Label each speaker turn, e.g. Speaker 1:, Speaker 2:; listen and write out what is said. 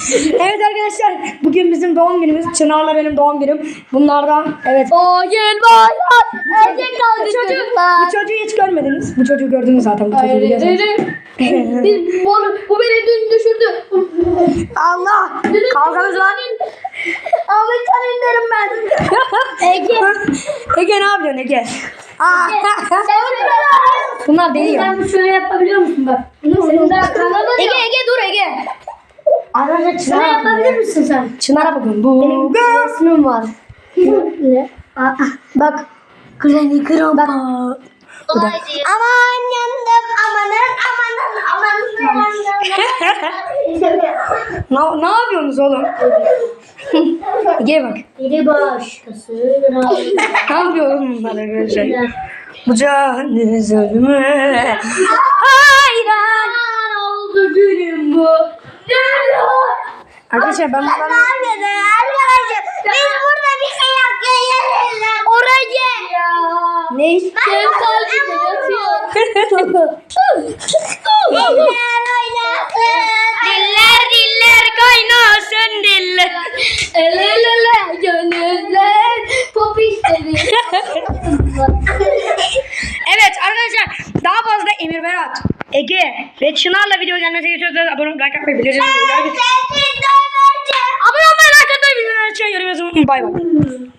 Speaker 1: Evet arkadaşlar, bugün bizim doğum günümüz. Çınar'la benim doğum günüm. Bunlardan evet.
Speaker 2: Bugün bayram. Erkek kaldı çocuklar.
Speaker 1: Bu çocuğu hiç görmediniz. Bu çocuğu gördünüz zaten. Bu çocuğu biliyorsunuz.
Speaker 2: Bu beni dün düşürdü.
Speaker 1: Allah! Kavganız var.
Speaker 2: Ahmetcan inlerim ben. Ege.
Speaker 1: Ege ne yapıyorsun Ege?
Speaker 2: Sen
Speaker 1: Bunlar deliyor.
Speaker 2: Sen şöyle yapabiliyor musun bak? Senin daha kanalın
Speaker 1: Ege Ege dur Ege.
Speaker 2: Arkadaşlar şöyle yapabilir misin sen?
Speaker 1: Çınar'a bakın. Bu
Speaker 2: Resmim var. Ne?
Speaker 1: bak. Granny Grandpa. Bu da.
Speaker 2: Aman yandım amanın.
Speaker 1: Ne yapıyorsunuz oğlum? Ege bak.
Speaker 2: Biri başkası.
Speaker 1: Ne yapıyorum bunlar arkadaşlar? Bu canınız ölüme. Hayran.
Speaker 2: Oldu günüm bu.
Speaker 1: Arkadaşlar ben bunları...
Speaker 2: Arkadaşlar biz burada bir şey yapıyoruz. Oraya.
Speaker 1: Ne?
Speaker 2: Benim kalbimde yatıyor. Diller kaynasın diller. El ele gönüller pop istedi.
Speaker 1: Evet arkadaşlar, daha fazla Emir Berat, Ege ve Çınar'la video gelmesi istiyorsanız abone olmayı, like atmayı, bildirimleri açmayı, abone olmayı, like atmayı, bildirimleri açmayı, yorum yazmayı unutmayın. Bay bay.